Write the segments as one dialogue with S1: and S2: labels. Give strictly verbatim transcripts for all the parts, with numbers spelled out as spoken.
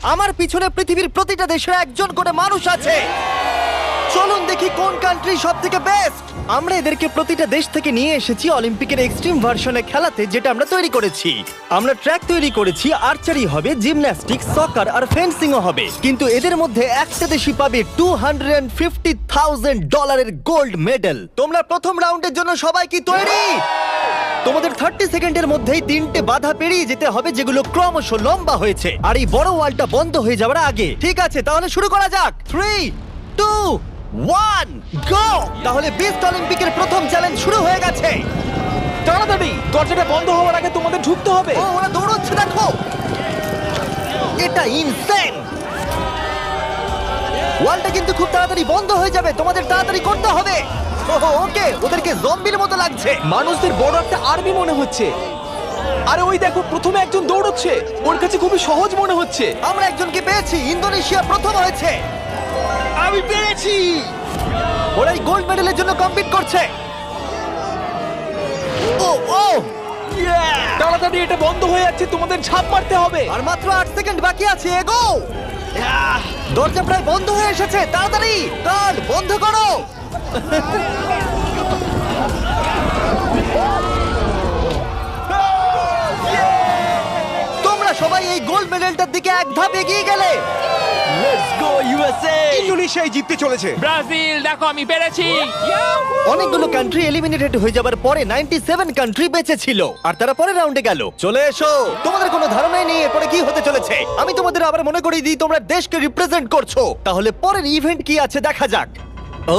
S1: আমার পিছনে পৃথিবীর প্রতিটা দেশের একজন করে মানুষ আছে। চলুন দেখি কোন কান্ট্রি সব থেকে বেস্ট। আমরা এদেরকে প্রতিটা দেশ থেকে নিয়ে এসেছি অলিম্পিকের এক্সট্রিম ভার্সনে খেলাতে, যেটা আমরা তৈরি করেছি। আমরা ট্র্যাক তৈরি করেছি, আর্চারি হবে, জিমন্যাস্টিক্স, সকার আর ফেন্সিংও হবে। কিন্তু এদের মধ্যে একটা দেশই পাবে টু হান্ড্রেড ফিফটি থাউজেন্ড ডলারের গোল্ড মেডেল। তোমরা প্রথম রাউন্ডের জন্য সবাই কি তৈরি? তোমাদের থার্টি সেকেন্ডের মধ্যেই তিনটে বাধা পেরিয়ে যেতে হবে, যেগুলো ক্রমশ লম্বা হয়েছে, আর এই বড় ওয়ালটা বন্ধ হয়ে যাওয়ার আগে। ঠিক আছে, তাহলে শুরু করা যাক। Three two one go. তাহলে বিস্ট অলিম্পিকের প্রথম চ্যালেঞ্জ শুরু হয়ে গেছে।
S2: তাড়াতাড়ি, দরজাটা বন্ধ হওয়ার আগে তোমাদের ঢুকতে হবে।
S1: ও, ওরা দৌড়চ্ছে, দেখো, এটা ইনসেন। ওয়ালটা কিন্তু খুব তাড়াতাড়ি বন্ধ হয়ে যাবে, তোমাদের তাড়াতাড়ি করতে হবে। ওহো, ওকে, ওদেরকে জম্বির মতো লাগছে।
S2: মানুষদের বড় একটা আর্মি মনে হচ্ছে। আরে ওই দেখো, প্রথমে একজন দৌড়চ্ছে, ওর কাছে খুবই সহজ মনে হচ্ছে।
S1: আমরা একজনকে পেয়েছি, ইন্দোনেশিয়া প্রথম হয়েছে।
S2: আমি পেরেছি।
S1: ওরা এই গোল্ড মেডেলের জন্য কম্পিট করছে। ও ও
S2: তাড়াতাড়ি, এটা বন্ধ হয়ে যাচ্ছে, তোমাদের ঝাঁপ মারতে হবে।
S1: আর মাত্র আট সেকেন্ড বাকি আছে, এগো। দরজা প্রায় বন্ধ হয়ে এসেছে, তাড়াতাড়ি কার্ড বন্ধ করো। তোমরা সবাই এই গোল্ড মেডেলটার দিকে এক ধাপ এগিয়ে গেলে।
S2: Let's go USA.
S3: ইন্দোনেশিয়ায় জিততে চলেছে।
S4: ব্রাজিল, দেখো আমি পেরেছি।
S1: অনেকগুলো কান্ট্রি এলিমিনেটেড হয়ে যাবার পরে নাইনটি সেভেন কান্ট্রি বেঁচে ছিল, আর তারা পরের রাউন্ডে গেল। চলে এসো, তোমাদের কোনো ধারণাই নেই এরপরে কি হতে চলেছে। আমি তোমাদের আবার মনে করিয়ে দিই, তোমরা দেশকে রিপ্রেজেন্ট করছো। তাহলে পরের ইভেন্ট কি আছে দেখা যাক। ও,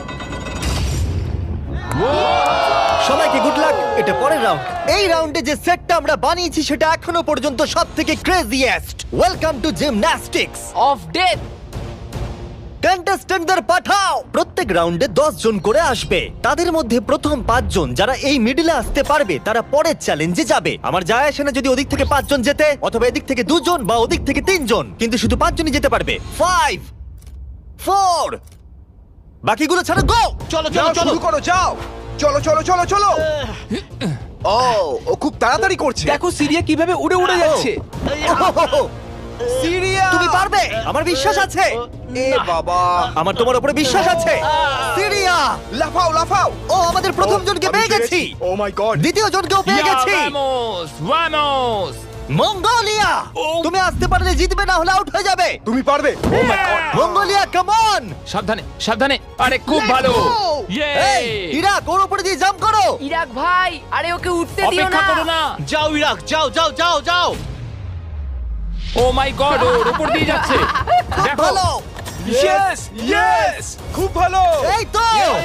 S1: সবাইকে গুড লাক। এটা পরের রাউন্ড। এই রাউন্ডে যে সেটটা আমরা বানিয়েছি সেটা এখনো পর্যন্ত সবথেকে craziest. Welcome to gymnastics.
S4: Of death.
S1: কন্টেস্ট্যান্টদের পাঠাও। প্রত্যেক রাউন্ডে দশ জন করে আসবে। তাদের মধ্যে প্রথম পাঁচ জন যারা এই মিডলে আসতে পারবে তারা পরের চ্যালেঞ্জে যাবে। আমার যায় আসে না যদি ওদিক থেকে পাঁচজন যেতে, অথবা এদিক থেকে দুজন বা ওদিক থেকে তিনজন, কিন্তু শুধু পাঁচজনই যেতে পারবে। ফাইভ, ফোর, বাকিগুলো ছাড়ো, গো।
S2: চলো
S3: যাও,
S2: চলো চলো।
S3: শুরু করো, যাও। চলো চলো চলো চলো। ও ও খুব তাড়াতাড়ি করছে।
S2: দেখো সিরিয়া কিভাবে উড়ে উড়ে যাচ্ছে।
S1: ওহোহোহো,
S3: সিরিয়া,
S1: তুমি পারবে, আমার বিশ্বাস আছে।
S3: এ বাবা,
S1: আমার তোমার উপরে বিশ্বাস আছে। সিরিয়া,
S3: লাফাও লাফাও।
S1: ও, আমাদের প্রথম জনকে
S3: আমি
S1: পেয়ে গেছি।
S3: পেরেছি। Oh my god.
S1: দ্বিতীয় জনকেও পেয়ে গেছি।
S4: Vamos, vamos.
S1: মঙ্গোলিয়া, তুমি আসতে পারলে জিতবে, না হলে আউট হয়ে যাবে।
S3: তুমি পারবে। Oh my god.
S1: Mongolia, come on.
S4: সাবধানে, সাবধানে। আরে খুব ভালো। ইয়ে।
S1: এই, ইরাক, ওর উপরে দিয়ে জাম্প করো।
S5: ইরাক ভাই, আরে ওকে উঠতে দিও
S4: অপেক্ষা
S5: না।
S4: করো না।
S2: যাও ইরাক, যাও যাও যাও যাও।
S4: ও মাই গড, ওর উপর দিয়ে যাচ্ছে।
S1: খুব
S4: দেখো।
S1: ভালো।
S3: ইয়েস ইয়েস, খুব ভালো।
S1: এই তো,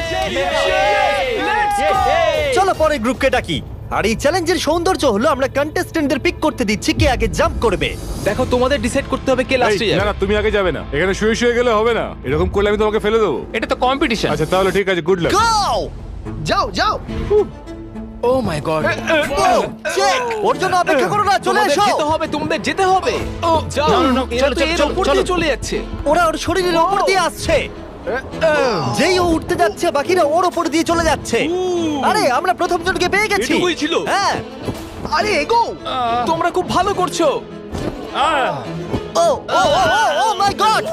S1: চলো পরে গ্রুপকে ডাকি। আর এই চ্যালেঞ্জের সৌন্দর্য হলো আমরা কন্টেস্টেন্টদের পিক করতে দিচ্ছি কে আগে জাম্প করবে।
S2: দেখো তোমাদের ডিসাইড করতে হবে কে লাস্টে
S6: এই, না
S2: যাবে।
S6: না তুমি আগে যাবে না, এখানে শুয়ে শুয়ে গেলে হবে না। এরকম করলে আমি তোমাকে ফেলে দেবো।
S4: এটা তো কম্পিটিশন।
S6: আচ্ছা তাহলে ঠিক আছে, গুড লাক।
S1: গো,
S3: যাও যাও।
S2: ও মাই গড।
S1: চেক, ওর জন্য অপেক্ষা করো না, চলে
S2: তোমাদের
S1: এসো।
S2: যেতে হবে, তোমাদের যেতে হবে। ও যাও।
S4: না, না, না,
S2: এরা
S4: চলো,
S2: তো এর
S4: চলো,
S2: উপর
S4: চলো।
S2: দিয়ে চলে যাচ্ছে।
S1: ওরা ওর শরীরের উপর দিয়ে আসছে। যেই ও উঠতে যাচ্ছে, বাকিরা ওর উপর দিয়ে চলে যাচ্ছে। আরে আমরা প্রথম জনকে পেয়ে গেছি।
S2: এটুকুই ছিল?
S1: হ্যাঁ।
S3: আরে এগো।
S2: তোমরা খুব ভালো করছো।
S1: ও ও ও মাই গড।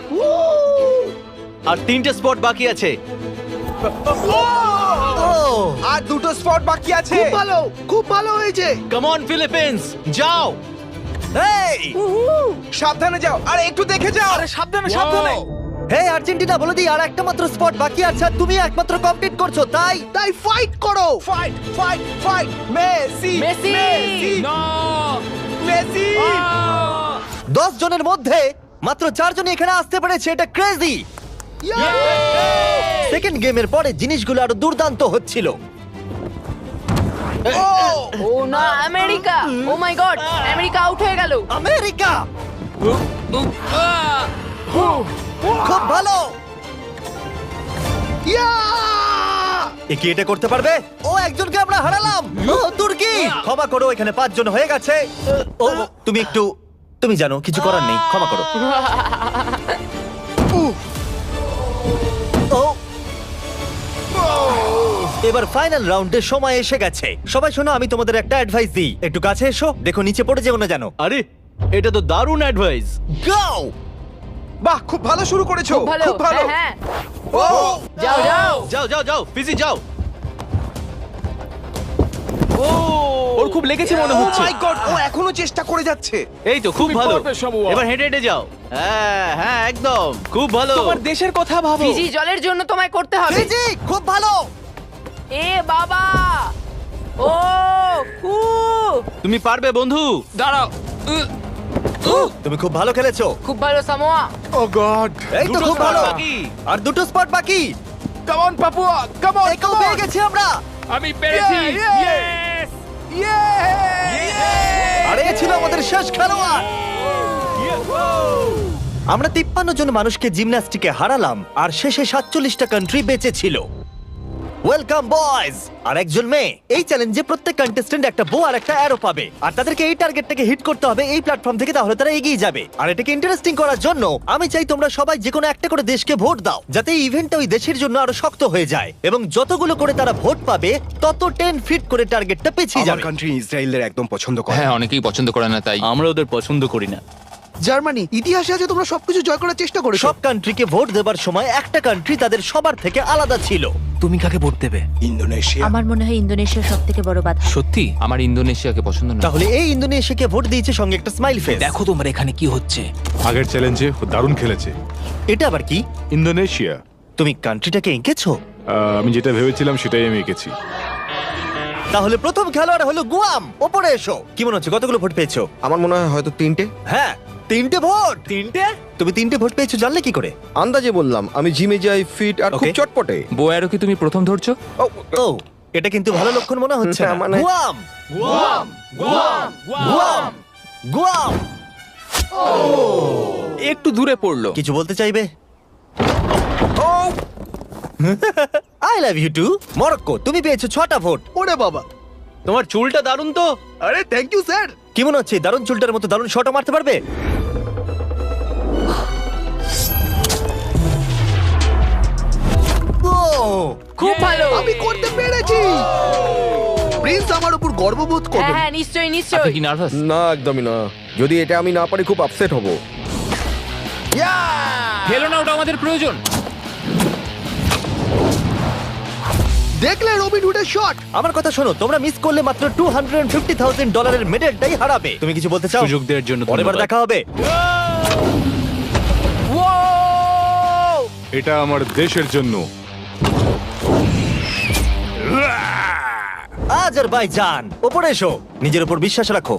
S2: আর তিনটে স্পট বাকি আছে।
S1: ও,
S3: আর দুটো স্পট বাকি আছে। খুব ভালো, খুব ভালো হয়েছে।
S2: কাম অন ফিলিপিন্স, যাও।
S1: এই,
S3: সাবধানে যাও, আর একটু দেখে যাও।
S2: আরে সাবধানে সাবধানে।
S1: হে আর্জেন্টিনা, বলে দিই আর একটা মাত্র স্পট বাকি আছে, আর তুমি একমাত্র কমপ্লিট করছো, তাই
S3: তাই ফাইট করো। Fight fight fight. Messi
S5: Messi.
S4: না।
S3: মেসি।
S1: দশ জনের মধ্যে মাত্র চারজন এখানে আসতে পেরেছে, এটা ক্রেজি। সেকেন্ড গেমের পরে জিনিসগুলো আরো দুর্দান্ত হচ্ছিল।
S5: ও না, America. Oh my god, America out হয়ে গেল।
S1: আমেরিকা,
S4: আহ!
S1: খুব ভালো। এ কি এটা করতে পারবে? ও, একজনকে আমরা হারালাম। ও, তুর্কি, ক্ষমা করো, এখানে পাঁচজন হয়ে গেছে। ও, তুমি একটু, তুমি জানো কিছু করার নেই, ক্ষমা করো। ও, এবার ফাইনাল রাউন্ডের সময় এসে গেছে। সবাই শোনো, আমি তোমাদের একটা অ্যাডভাইস দিই, একটু কাছে এসো, দেখো নিচে পড়ে যেও না জানো।
S2: আরে এটা তো দারুণ অ্যাডভাইস।
S1: গো!
S3: বাহ, খুব ভালো শুরু করেছো।
S5: খুব ভালো
S3: খুব ভালো।
S5: হ্যাঁ হ্যাঁ
S3: ও
S5: যাও যাও
S2: যাও যাও যাও ফিজি যাও। ও ওর খুব লেগেছে মনে
S3: ও
S2: হচ্ছে।
S3: মাই গড, ও এখনো চেষ্টা করে যাচ্ছে।
S2: এই তো খুব
S4: তুমি
S2: ভালো।
S4: পারবে, শামুয়া।
S2: এবার হেঁটে হেঁটে যাও। হ্যাঁ হ্যাঁ একদম খুব ভালো।
S7: তোমার দেশের কথা ভাবো।
S5: ফিজি জলের জন্য তোমায় করতে হবে
S1: ফিজি, খুব ভালো।
S5: এ বাবা ও উ
S2: তুমি পারবে বন্ধু।
S4: দাঁড়াও উহ,
S1: তুমি খুব ভালো খেলেছো।
S5: খুব ভালো সামোয়া
S6: ও গড।
S1: এই তো
S2: দুটো
S1: খুব
S2: spot
S1: ভালো।
S2: বাকি।
S1: আর দুটো স্পট বাকি।
S6: Come on Papua, come on.
S1: একেও পেয়ে গেছি আমরা।
S4: আমি পেরেছি Yes!
S1: আর এ ছিল আমাদের শেষ খেলোয়াড়। আমরা তিপ্পান্ন জন মানুষকে জিমন্যাস্টিকে হারালাম আর শেষে সাতচল্লিশটা কান্ট্রি বেঁচে ছিল। Welcome boys. আর একজন মেয়ে। এই চ্যালেঞ্জে প্রত্যেক কন্টেস্ট্যান্ট একটা বো আর একটা অ্যারো পাবে, আর তাদেরকে এই টার্গেটটাকে হিট করতে হবে এই প্ল্যাটফর্ম থেকে, তাহলে তারা এগিয়ে যাবে। আর এটাকে ইন্টারেস্টিং করার জন্য আমি চাই তোমরা সবাই যে কোনো একটা করে দেশকে ভোট দাও, যাতে এই ইভেন্টটা ওই দেশের জন্য আরো শক্ত হয়ে যায়, এবং যতগুলো করে তারা ভোট পাবে তত টেন ফিট করে টার্গেটটা পিছিয়ে
S3: আমার
S1: যাবে।
S3: কান্ট্রি ইসরায়েলের একদম পছন্দ করে।
S4: হ্যাঁ অনেকেই পছন্দ করে না তাই
S2: আমরা ওদের পছন্দ করি না।
S3: জার্মানি, ইতিহাসে আছে তোমরা সবকিছু জয় করার চেষ্টা করেছো।
S1: সব কান্ট্রিকে ভোট দেবার সময় একটা কান্ট্রি তাদের সবার থেকে আলাদা ছিল।
S7: তুমি কাকে ভোট দেবে?
S3: ইন্দোনেশিয়া।
S8: আমার মনে হয় ইন্দোনেশিয়া সব থেকে বড় বাধা।
S7: সত্যি?
S4: আমার ইন্দোনেশিয়াকে পছন্দ না
S1: তাহলে এই ইন্দোনেশিয়াকে ভোট দিয়েছে সঙ্গে একটা স্মাইল ফেস।
S7: দেখো তোমার এখানে কি হচ্ছে।
S6: আগের চ্যালেঞ্জে দারুণ খেলেছে
S1: এটা আবার কি?
S6: ইন্দোনেশিয়া।
S1: তুমি কান্ট্রিটাকে এঁকেছো?
S6: আহ, আমি যেটা ভেবেছিলাম সেটাই আমি এঁকেছি।
S1: তাহলে প্রথম খেলোয়াড় হলো গুয়াম। ওপরে এসো। কি মনে হচ্ছে কতগুলো ভোট পেয়েছো?
S3: আমার মনে হয় হয়তো তিনটে।
S1: হ্যাঁ, তিনটে ভোট। তিনটে? তুমি তিনটে ভোট পেয়েছো জানলে কি করে?
S3: আন্দাজে বললাম, আমি জিমে যাই, ফিট আর খুব
S1: Okay.
S3: চটপটে।
S4: বোয়ারও কি তুমি প্রথম ধরছো
S3: ও,
S1: ও, এটা কিন্তু ভালো লক্ষণ মনে হচ্ছে না।
S3: হ্যাঁ, মানে-
S1: Guam, Guam, Guam, Guam, Guam.
S7: একটু দূরে পড়লো।
S1: কিছু বলতে চাইবে? I love you too. Morocco, তুমি পেয়েছো ছটা ভোট।
S3: ওরে বাবা।
S2: তোমার চুলটা দারুণ তো।
S3: আরে থ্যাংক ইউ স্যার।
S1: কি মনে হচ্ছে দারুণ চুলটার মতো দারুণ শটও মারতে পারবে? ও,
S5: খুব ভালো
S3: আমি করতে পেরেছি। প্রিন্স আমার উপর গর্ববোধ
S5: হ্যাঁ
S3: করবে।
S5: হ্যাঁ নিশ্চয়ই
S4: আপনি
S5: নিশ্চয়ই
S4: কি নার্ভাস
S3: না, একদমই না। যদি এটা আমি না পারি খুব আপসেট হব।
S4: ফেলো না ওটা আমাদের প্রয়োজন
S3: দেখলে রবিন হুডের শট।
S1: আমার কথা শোনো, তোমরা মিস করলে মাত্র টু হান্ড্রেড ফিফটি থাউজেন্ড ডলারের মেডেলটাই হারাবে। তুমি কিছু বলতে চাও?
S2: সুযোগ দেওয়ার জন্য
S1: পরের বার
S2: ধন্যবাদ।
S1: দেখা হবে।
S6: এটা আমার দেশের জন্য।
S1: আজারবাইজান, ওপরে এসো। নিজের উপর বিশ্বাস রাখো।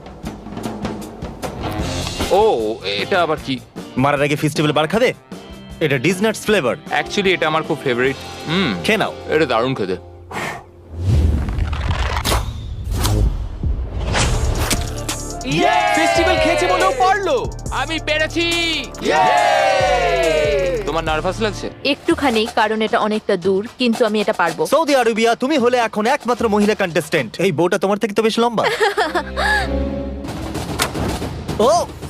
S4: ও এটা আবার কি
S1: মারার আগে ফেস্টিভ্যাল বার খাবে? এটা ডিজনাটস ফ্লেভার।
S4: অ্যাকচুয়ালি এটা আমার খুব ফেভারিট হুম
S1: খেয়ে নাও।
S4: এটা দারুণ খেতে
S7: ফেস্টিভ্যাল খেয়েছে বলেও পারলো।
S4: আমি পেরেছি তোমার নার্ভাস লাগছে
S8: একটুখানি, কারণ এটা অনেকটা দূর, কিন্তু আমি এটা পারবো।
S1: সৌদি আরবিয়া, তুমি হলে এখন একমাত্র মহিলা কন্টেস্টেন্ট। এই বউটা তোমার থেকে তো বেশ লম্বা। ও,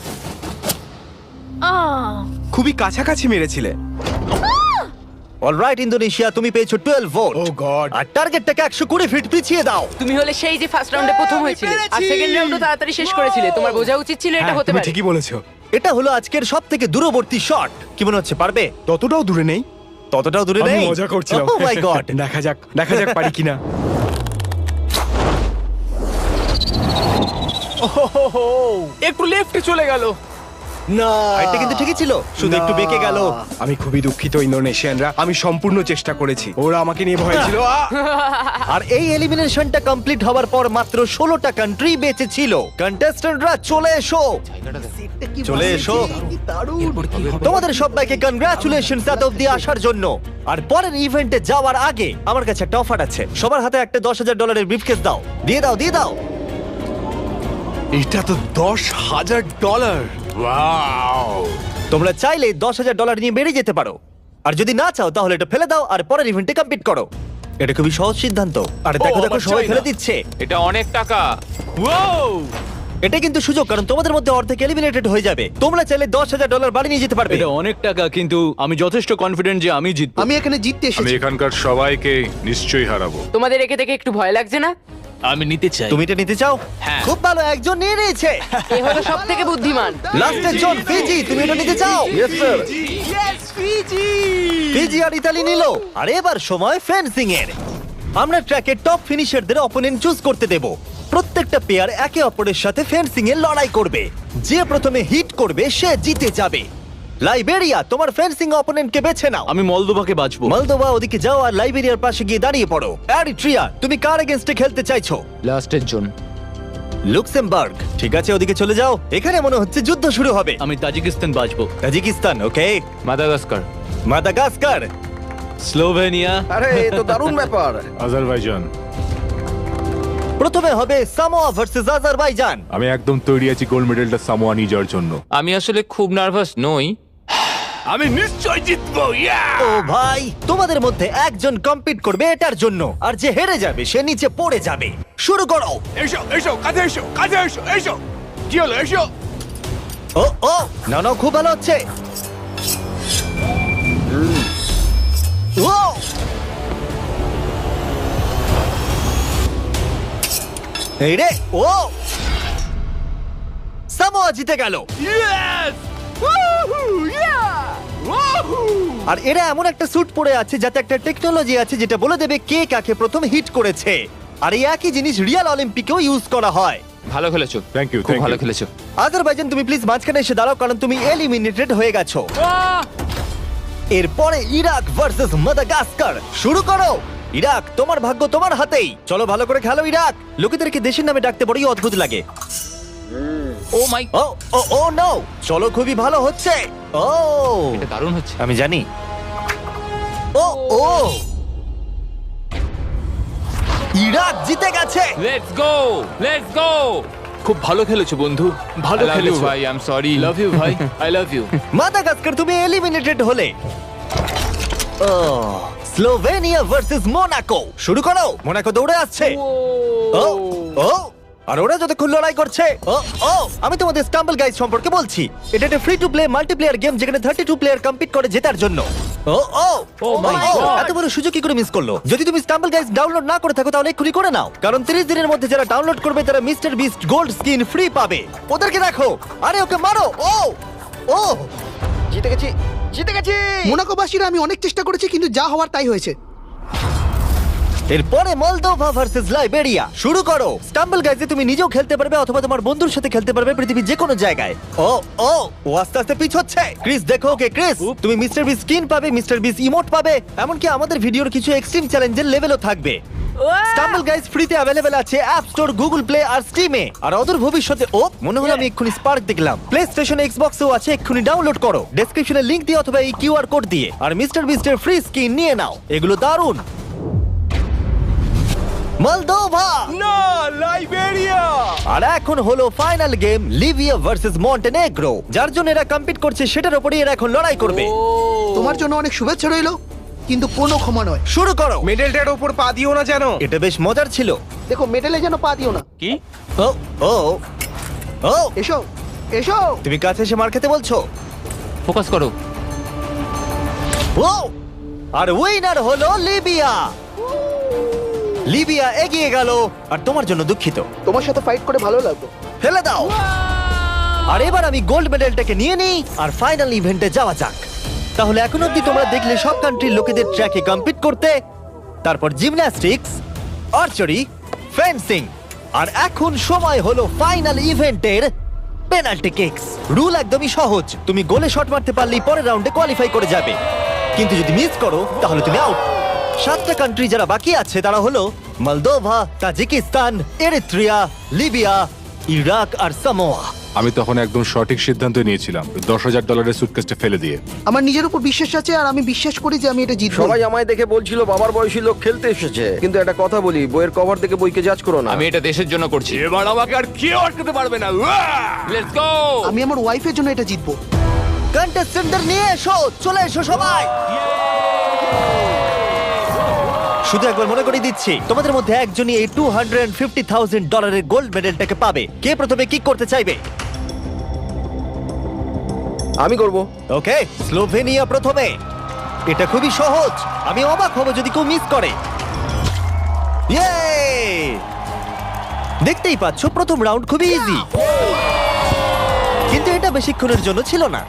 S8: আহ,
S3: খুবই কাছাকাছি মেরেছিলে।
S1: অলরাইট ইন্দোনেশিয়া, তুমি পেয়েছো টুয়েলভ ভোট।
S3: Oh god.
S1: আর টার্গেটটাকে একশো কুড়ি ফিট পিছিয়ে দাও।
S5: তুমি হলে সেই যে ফার্স্ট রাউন্ডে প্রথম হয়েছিলে আর সেকেন্ড রাউন্ডও তাড়াতাড়ি শেষ করেছিলে তোমার বোঝা উচিত ছিল এটা হতে পারে
S3: ঠিকই বলেছো।
S1: এটা হলো আজকের সব থেকে দূরবর্তী শট। কি মনে হচ্ছে পারবে?
S3: ততটাও দূরে নেই।
S1: ততটাও দূরে
S3: আমি
S1: নেই।
S3: মজা করছিলাম।
S1: Oh my god.
S3: দেখা যাক, দেখা যাক পারি কিনা।
S7: একটু লেফটে চলে গেল।
S3: না,
S1: এটা কিন্তু ঠিকই ছিল, শুধু একটু বেঁকে গেল।
S3: আমি খুবই দুঃখিত ইন্দোনেশিয়ানরা, আমি সম্পূর্ণ চেষ্টা করেছি। ওরা আমাকে নিয়ে ভয় ছিল। আ!
S1: আর এই এলিমিনেশনটা কমপ্লিট হওয়ার পর মাত্র ষোলোটা কান্ট্রি বেঁচে ছিল। কন্টেস্ট্যান্টরা চলে এসো, চলে এসো। তোমাদের সবাইকে কনগ্রাচুলেশনস এত অব্দি আসার জন্য। আর পরের ইভেন্টে যাওয়ার আগে আমার কাছে একটা অফার আছে। সবার হাতে একটা দশ হাজার ডলারের ব্রিফকেস দাও। দিয়ে দাও, দিয়ে দাও।
S3: এটা তো দশ হাজার ডলার।
S1: তোমরা চাইলে দশ হাজার ডলার নিয়ে বেরিয়ে যেতে পারো, আর যদি না চাও তাহলে এটা ফেলে দাও আর পরের ইভেন্টে কমপ্লিট করো। এটা খুবই সহজ সিদ্ধান্ত। আর দেখো
S7: ও,
S1: দেখো
S7: আবার
S1: সবাই
S7: চাই
S1: ফেলে
S7: না।
S1: দিচ্ছে।
S4: এটা অনেক টাকা
S1: এটা কিন্তু সুযোগ, কারণ তোমাদের মধ্যে অর্ধেক এলিমিনেটেড হয়ে যাবে। তোমরা চাইলে দশ হাজার ডলার বাড়ি নিয়ে যেতে পারবে।
S2: এটা অনেক টাকা, কিন্তু আমি যথেষ্ট কনফিডেন্ট যে আমি জিতবো।
S3: আমি এখানে জিততে
S6: আমি
S3: এসেছি।
S6: এখানকার সবাইকে নিশ্চয়ই হারাবো।
S5: তোমাদের একে দেখে একটু ভয় লাগছে না
S7: আমি নিতে চাই।
S1: তুমি এটা নিতে চাও?
S7: হ্যাঁ।
S1: খুব ভালো, একজন নিয়ে নিয়েছে।
S5: এ হলো সব থেকে বুদ্ধিমান।
S1: লাস্টের জন ফিজি, তুমি এটা নিতে চাও?
S3: Yes sir.
S1: ফিজি আর ইতালি নিল। আর এবার সময় ফেন্সিং এর। আমরা ট্র্যাকের টপ ফিনিশারদের অপোনেন্ট চুজ করতে দেব। প্রত্যেকটা পেয়ার একে অপরের সাথে ফেন্সিং এ লড়াই করবে। যে প্রথমে হিট করবে সে জিতে যাবে। লাইবেরিয়া, তোমার ফেন্সিং অপোনেন্টকে বেছে নাও।
S2: আমি মলদোভাকে বাঁচবো।
S1: মলদোভা, ওদিকে যাও আর লাইবেরিয়ার পাশে গিয়ে দাঁড়িয়ে পড়ো। এরিট্রিয়া, তুমি কার এগেইনস্টে খেলতে চাইছো?
S4: লাস্টের জন।
S1: লুক্সেমবার্গ, ঠিক আছে, ওদিকে চলে যাও। এখানে মনে হচ্ছে যুদ্ধ শুরু হবে।
S2: আমি তাজিকিস্তান বাঁচবো।
S1: Tajikistan, okay.
S4: Madagascar.
S1: Madagascar,
S2: Slovenia.
S3: আরে এ তো দারুণ ব্যাপার।
S6: আজারবাইজান।
S1: প্রথমে হবে সামোয়া ভার্সেস আজারবাইজান।
S6: আমি একদম তৈরি আছি গোল্ড মেডেলটা সামোয়া নিয়ে যাওয়ার জন্য।
S4: আমি আসলে খুব নার্ভাস নই।
S7: আমি নিশ্চয় জিতবো।
S1: ও ভাই, তোমাদের মধ্যে একজন কম্পিট করবে এটার জন্য, আর যে হেরে যাবে সে নিচে পড়ে যাবে। শুরু করো।
S7: এসো এসো, কাছে এসো, কাছে এসো, এসো। কি হলো? এসো।
S1: ও ও, না না, খুব ভালো হচ্ছে। ও এই রে, ও সামোয়া জিতে গেল। আর এরা এমন একটা স্যুট পরে আছে যাতে একটা টেকনোলজি আছে যেটা বলে দেবে কে কাকে প্রথম হিট করেছে। আর এই একই জিনিস রিয়াল অলিম্পিকেও ইউজ করা হয়।
S4: ভালো খেলেছো।
S6: Thank you,
S4: খুব
S6: thank
S4: ভালো
S6: you.
S4: খেলেছো।
S1: আজারবাইজান, তুমি প্লিজ মাঝখানে এসে দাঁড়াও, কারণ তুমি এলিমিনেটেড হয়ে গেছো। এরপরে ইরাক ভার্সেস মাদাগাস্কার। শুরু করো। ইরাক, তোমার ভাগ্য তোমার হাতেই। চলো ভালো করে খেলো ইরাক। লোকেদেরকে দেশের নামে ডাকতে বড়ই অদ্ভুত লাগে।
S4: ও মাই,
S1: ও ও ও নো, চলো, খুবই ভালো হচ্ছে। ও
S4: এটা দারুণ হচ্ছে।
S1: আমি জানি। ও ও, ইরাক জিতে গেছে।
S4: Let's go, let's go.
S2: খুব ভালো খেলেছো বন্ধু, ভালো
S4: I love you
S2: খেলেছো
S4: ভাই, I am sorry.
S2: Love you ভাই, আই লাভ ইউ।
S1: মাদাগাস্কার, তুমি এলিমিনেটেড হলে। ও, স্লোভেনিয়া ভার্সেস মোনাকো। শুরু করো। মোনাকো দৌড়ে আসছে। ও ও, আর ওরা যতক্ষণ লড়াই করছে। ও ও, আমি তোমাদের স্টাম্বল গাইজ সম্পর্কে বলছি। এটা একটা free to play multiplayer game যেখানে থার্টি টু প্লেয়ার কম্পিট করে জেতার জন্য। ও ও ও মাই গড, এত বড় সুযোগ কি করে মিস করলো? যদি তুমি স্টাম্বল গাইজ ডাউনলোড না করে থাকো তাহলে এক্ষুনি করে নাও, কারণ তিরিশ দিনের মধ্যে যারা ডাউনলোড করবে তারা mister beast gold skin free পাবে। ওদেরকে দেখো। আরে ওকে মারো। ও ও,
S3: জিতে গেছি, জিতে গেছি।
S9: মোনাকোবাসীরা আমি অনেক চেষ্টা করেছি কিন্তু যা হওয়ার তাই হয়েছে।
S1: এরপরে মলদোভা ভার্সেস লাইবেরিয়া। শুরু করো। স্টাম্বল গাইজে তুমি নিজেও খেলতে পারবে অথবা তোমার বন্ধুর সাথে খেলতে পারবে পৃথিবীর যে কোনো জায়গায়। ও ও, ও আস্তে আস্তে পিছ হচ্ছে। ক্রিস, দেখো ওকে। ক্রিস, তুমি মিস্টার বিস স্কিন পাবে, মিস্টার বিস ইমোট পাবে, এমনকি আমাদের ভিডিওর কিছু এক্সট্রিম চ্যালেঞ্জের লেভেলও থাকবে। স্টাম্বল গাইজ ফ্রিতে অ্যাভেলেবেল আছে অ্যাপ স্টোর, গুগল প্লে আর স্টিমে। আর অদূর ভবিষ্যতে, ও মনে হলো আমি এক্ষুনি স্পার্ক দেখলাম, প্লে স্টেশন, এক্সবক্সেও আছে। এক্ষুনি ডাউনলোড করো ডেসক্রিপশনে লিংক দিয়ে অথবা এই কিউআর কোড দিয়ে, আর মিস্টার বিস্টের ফ্রি স্কিন নিয়ে নাও। এগুলো দারুণ। মলদোভা
S2: না, লাইবেরিয়া।
S1: আর এখন হলো final game, Libya versus Montenegro. যার জন্য এরা কম্পিট করছে সেটার উপরই এরা এখন লড়াই করবে।
S9: তোমার জন্য অনেক শুভেচ্ছা রইলো, কিন্তু কোনো ক্ষমা নয়।
S1: শুরু করো।
S3: মেডেলটার উপর পা দিও না যেন।
S1: এটা বেশ মজার ছিল।
S9: দেখো, মেডেলে যেন পা দিও না।
S2: কি?
S1: ও ও ও,
S9: এসো এসো।
S1: তুমি কাছে এসে মার খেতে বলছো?
S4: ফোকাস করো।
S1: ও, আর উইনার হলো লিবিয়া। লিবিয়া এগিয়ে গেল। আর তোমার জন্য দুঃখিত।
S9: তোমার সাথে ফাইট করে ভালো লাগলো।
S1: ফেলে দাও। আর এবার আমি গোল্ড মেডেলটাকে নিয়ে নিই আর ফাইনাল ইভেন্টে যাওয়া যাক। তাহলে এখন অব্দি তোমরা দেখলে সব কান্ট্রির লোকেদের ট্র্যাকে কম্পিট করতে, তারপর জিমন্যাস্টিক্স, আর্চারি, ফেন্সিং, আর এখন সময় হলো ফাইনাল ইভেন্টের পেনাল্টি কিকস। রুল একদমই সহজ, তুমি গোলে শট মারতে পারলেই পরের রাউন্ডে কোয়ালিফাই করে যাবে, কিন্তু যদি মিস করো তাহলে তুমি আউট। সাতটা কান্ট্রি যারা বাকি আছে তারা হলো Moldova, Tajikistan, Eritrea, Libya, Iraq আর সামোয়া।
S6: আমি তখন একদম সঠিক সিদ্ধান্ত নিয়েছিলাম, দশ হাজার ডলারের সুটকেসটা ফেলে দিয়ে।
S9: আমার নিজের উপর বিশ্বাস আছে আর আমি বিশ্বাস করি যে আমি এটা জিতবো।
S3: সবাই আমায় দেখে বলছিল বাবার বয়সী লোক খেলতে এসেছে, কিন্তু একটা কথা বলি, বইয়ের কভার দেখে বইকে জাজ করো না।
S4: আমি এটা দেশের জন্য করছি।
S7: এবার আমাকে আর কেউ আটকাতে পারবে না।
S4: Let's go.
S9: আমি আমার ওয়াইফের জন্য এটা জিতবো।
S1: কন্টেস্টেন্টদের নিয়ে এসো, চলে এসো সবাই। শুধু একবার মনে করিয়ে দিচ্ছি, তোমাদের মধ্যে একজনই এই টু হান্ড্রেড ফিফটি থাউজেন্ড ডলারের গোল্ড মেডেলটাকে পাবে। কে প্রথমে কিক করতে চাইবে?
S3: আমি করব।
S1: ওকে, স্লোভেনিয়া প্রথমে। এটা খুবই সহজ, আমি অবাক হব যদি কেউ মিস করে। ইয়ে! দেখতেই পাচ্ছ প্রথম রাউন্ড খুবই ইজি, কিন্তু এটা বেশিক্ষণের জন্য ছিল না।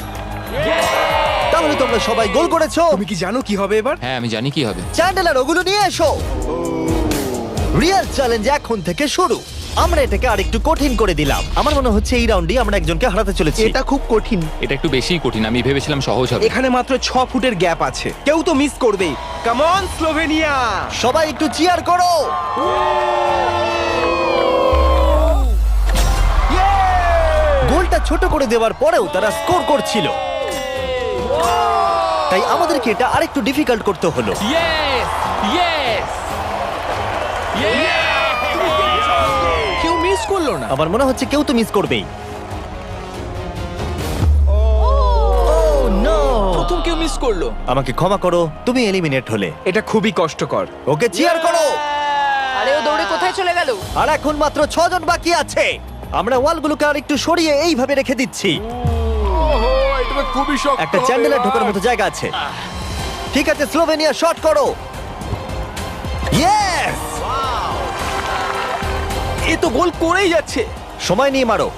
S1: তাহলে তোমরা সবাই গোল করেছো।
S2: তুমি কি জানো কি হবে এবার?
S4: হ্যাঁ আমি জানি কি হবে।
S1: চ্যান্ডেলার ওগুলো নিয়ে এসো। রিয়েল চ্যালেঞ্জ এখন থেকে শুরু। আমরা এটাকে আরেকটু কঠিন করে দিলাম। আমার মনে হচ্ছে এই রাউন্ডে আমরা একজনকে হারাতে চলেছি।
S9: এটা খুব কঠিন।
S4: এটা একটু বেশিই কঠিন, আমি ভেবেছিলাম সহজ হবে।
S2: এখানে মাত্র ছ ফুটের গ্যাপ আছে, কেউ তো মিস করবেই। Come on Slovenia!
S1: সবাই একটু চিয়ার করো। গোলটা ছোট করে দেওয়ার পরেও তারা স্কোর করছিল, তাই আমাদেরকে এটা আরেকটু ডিফিকাল্ট করতে হলো।
S4: ইয়েস ইয়েস
S2: কেউ মিস করলো না।
S1: আমার মনে হচ্ছে কেউ তো মিস করবেই। Oh, no!
S2: প্রথম কেউ মিস করলো।
S1: আমাকে ক্ষমা করো, তুমি এলিমিনেট হলে।
S2: এটা খুবই কষ্টকর।
S1: ওকে চিয়ার করো।
S5: আরে ও দৌড়ে কোথায় চলে গেল?
S1: আর এখন মাত্র ছজন বাকি আছে। আমরা ওয়ালগুলোকে আর একটু সরিয়ে এইভাবে রেখে দিচ্ছি।
S7: ওহো, এটা তো খুবই শক্ত
S1: একটা
S7: হবে
S1: চ্যান্ডেলার
S7: এবার।
S1: ঢোকার মতো জায়গা আছে। ঠিক আছে, স্লোভেনিয়া শট করো। ইয়েস!
S2: এ তো গোল করেই যাচ্ছে।
S1: সময় নিয়ে মারো।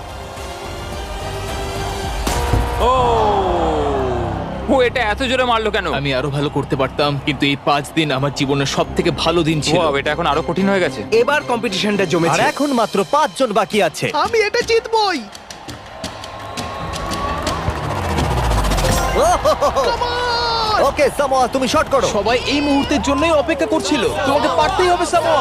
S4: ও ও এটা এত জোরে মারলো কেন?
S10: আমি আরো ভালো করতে পারতাম, কিন্তু এই পাঁচ দিন আমার জীবনের সব থেকে ভালো দিন ছিল।
S4: Wow, এটা এখন আরো কঠিন হয়ে গেছে।
S2: এবার কম্পিটিশনটা
S1: আর
S2: জমেছে।
S1: এখন মাত্র পাঁচজন বাকি আছে।
S9: আমি এটা জিতবই।
S1: ওকে সামোয়া, তুমি শট করো।
S2: সবাই এই মুহূর্তের জন্যই অপেক্ষা করছিল। তোমাকে পারতেই হবে সামোয়া।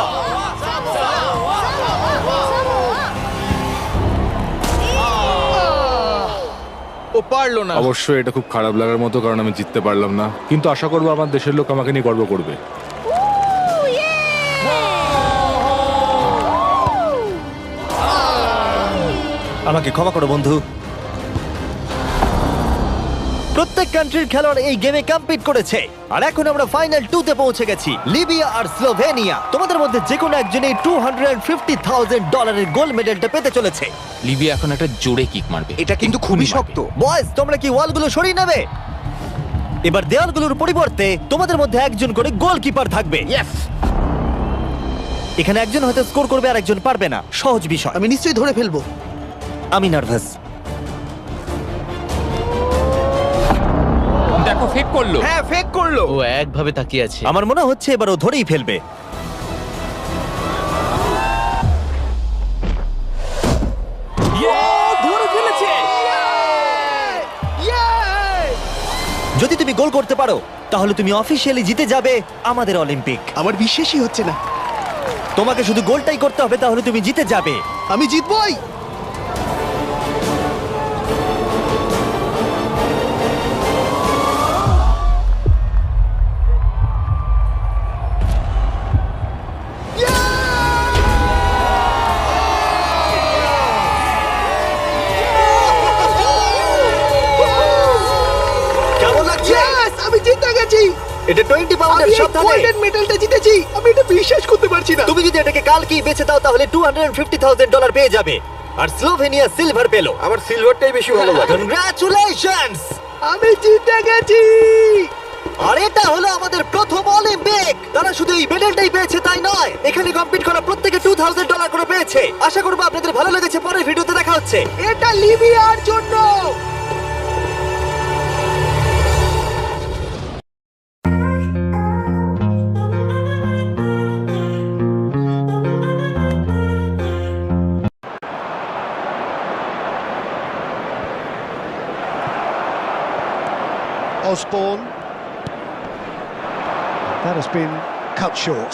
S2: ও পারলো না।
S6: অবশ্যই এটা খুব খারাপ লাগার মতো, কারণ আমি জিততে পারলাম না, কিন্তু আশা করবো আমার দেশের লোক আমাকে নিয়ে গর্ব করবে।
S1: আমাকে ক্ষমা করো বন্ধু। প্রত্যেক কান্ট্রির খেলোয়াড় এই গেমে কম্পিট করেছে, আর এখন আমরা ফাইনাল টু তে পৌঁছে গেছি। লিবিয়া আর স্লোভেনিয়া। তোমাদের মধ্যে যে কোনো একজন এই টু হান্ড্রেড ফিফটি থাউজেন্ড ডলারের গোল্ড মেডেলটা পেতে চলেছে।
S4: লিবিয়া এখন একটা জোরে কিক মারবে।
S2: এটা কিন্তু খুবই শক্ত।
S1: বয়েজ, তোমরা কি ওয়ালগুলো সরিয়ে নেবে? এবার দেওয়ালগুলোর পরিবর্তে তোমাদের মধ্যে একজন করে গোলকিপার থাকবে। এখানে একজন হয়তো স্কোর করবে আর একজন পারবে না। সহজ বিষয়।
S9: আমি নিশ্চয়ই ধরে ফেলবো।
S1: আমি নার্ভাস।
S4: দেখো ফেক করলো।
S2: হ্যাঁ, ফেক করলো।
S10: ও একভাবে তাকিয়ে আছে।
S1: আমার মনে হচ্ছে এবার ও ধরেই ফেলবে।
S2: ধরে ফেলেছে।
S1: যদি তুমি গোল করতে পারো তাহলে তুমি অফিসিয়ালি জিতে যাবে আমাদের অলিম্পিক।
S9: আমার বিশ্বাসই হচ্ছে না।
S1: তোমাকে শুধু গোলটাই করতে হবে, তাহলে তুমি জিতে যাবে।
S9: আমি জিতবই।
S1: কেমন লাগছে?
S9: Yes, আমি জিতে গেছি।
S1: এটা টোয়েন্টি
S9: আমি
S1: পাউন্ডের
S9: এই
S1: সাবধানে।
S9: গোল্ডেন মেডেলটা জিতেছি। আমি এটা বিশ্বাস করতে পারছি না।
S1: তুমি যদি এটাকে কালকেই বেচে দাও তাহলে two hundred fifty thousand dollar পেয়ে যাবে। আর স্লোভেনিয়া সিলভার পেলো।
S3: আমার সিলভারটাই বেশি ভালো লাগে।
S1: কনগ্রাচুলেশনস!
S9: আমি জিতে গেছি।
S1: আর এটা হলো আমাদের প্রথম অলিম্পিক। তারা শুধু এই মেডেলটাই পেয়েছে তাই নয়, এখানে কম্পিট করা প্রত্যেকে টু থাউজেন্ড ডলার করে পেয়েছে। আশা করবো আপনাদের ভালো লেগেছে। পরের ভিডিওতে দেখা হচ্ছে।
S9: এটা লিবিয়ার জন্য।
S11: Osborne. That has been cut short.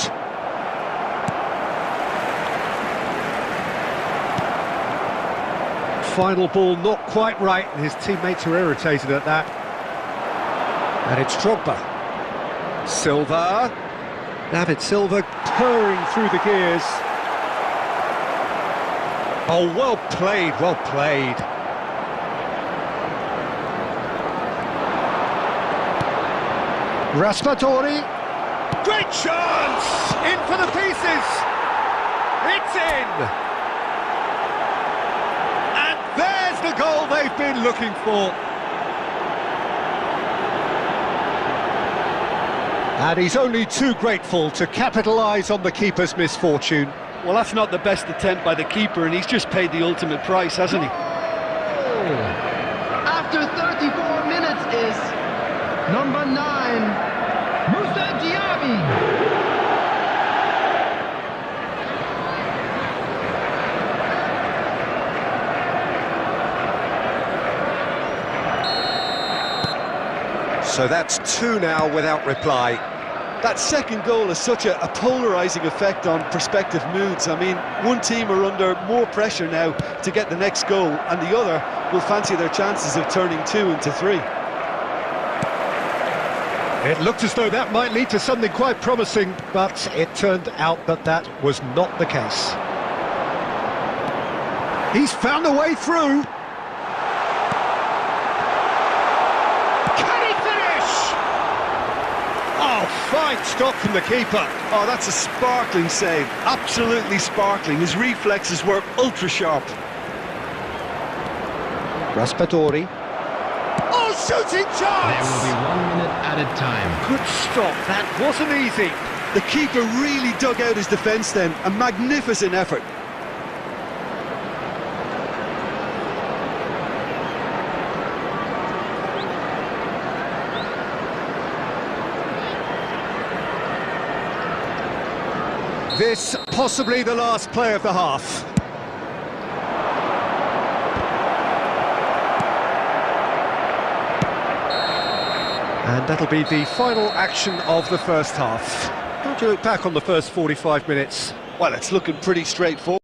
S11: Final ball not quite right, and his teammates are irritated at that. And it's Drogba. Silva. David Silva purring through the gears. Oh, well played, well played. Raspadori, great chance! In for the pieces! It's in! And there's the goal they've been looking for. And he's only too grateful to capitalise on the keeper's misfortune. Well, that's not the best attempt by the keeper, and he's just paid the ultimate price, hasn't he?
S9: After thirty-four minutes is number nine, Musa Diaby.
S11: So that's two now without reply. That second goal has such a, a polarising effect on prospective moods. I mean, one team are under more pressure now to get the next goal, and the other will fancy their chances of turning two into three.
S12: It looked as though that might lead to something quite promising, but it turned out that that was not the case. He's found a way through. Can he finish? Oh, fine stop from the keeper.
S11: Oh, that's a sparkling save. Absolutely sparkling. His reflexes were ultra sharp.
S12: Raspadori.
S11: Oh, shooting chance!
S12: There will be one minute added time. Good stop. That wasn't easy.
S11: The keeper really dug out his defence then. A magnificent effort.
S12: This possibly the last play of the half. And that'll be the final action of the first half. How do you look back on the first forty-five minutes?
S11: Well, it's looking pretty straightforward.